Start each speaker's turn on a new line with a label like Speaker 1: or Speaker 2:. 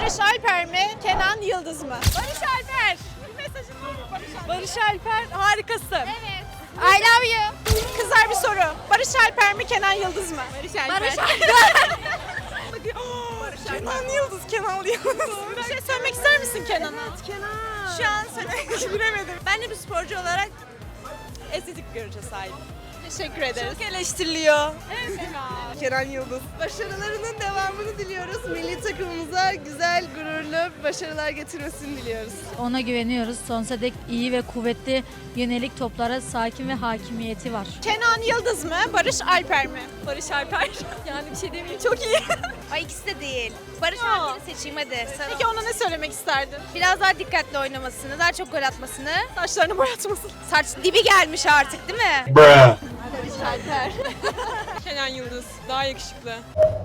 Speaker 1: Barış Alper mi? Kenan Yıldız mı? Barış Alper. Mesajın var mı Barış Alper? Barış Alper harikasın.
Speaker 2: Evet. I love you.
Speaker 1: Kızlar bir soru. Barış Alper mi? Kenan Yıldız mı? Barış Alper.
Speaker 2: Barış Alper.
Speaker 1: Kenan Yıldız, Kenan Yıldız. Bir şey söylemek ister misin Kenan'a?
Speaker 2: Kenan.
Speaker 1: Şu an söylemek bilemedim. Ben de bir sporcu olarak estetik bir görüşe sahibim. Teşekkür ederiz. Çok eleştiriliyor. Evet.
Speaker 3: Kenan Yıldız. Başarılarının devamını diliyoruz. Milli takımımıza güzel, gururlu başarılar getirmesini diliyoruz.
Speaker 4: Ona güveniyoruz. Sonsuza dek iyi ve kuvvetli yönelik toplara sakin ve hakimiyeti var.
Speaker 1: Kenan Yıldız mı? Barış Alper mi? Barış Alper. Yani bir şey demeyeyim, çok iyi.
Speaker 2: Ay ikisi de değil. Barış
Speaker 1: Ya.
Speaker 2: Alper'i seçeyim hadi. Sana.
Speaker 1: Peki ona ne söylemek isterdin?
Speaker 2: Biraz daha dikkatli oynamasını, daha çok gol atmasını.
Speaker 1: Saçlarını boyatmasın.
Speaker 2: Saç dibi gelmiş artık değil mi?
Speaker 1: Kenan Yıldız. Daha yakışıklı.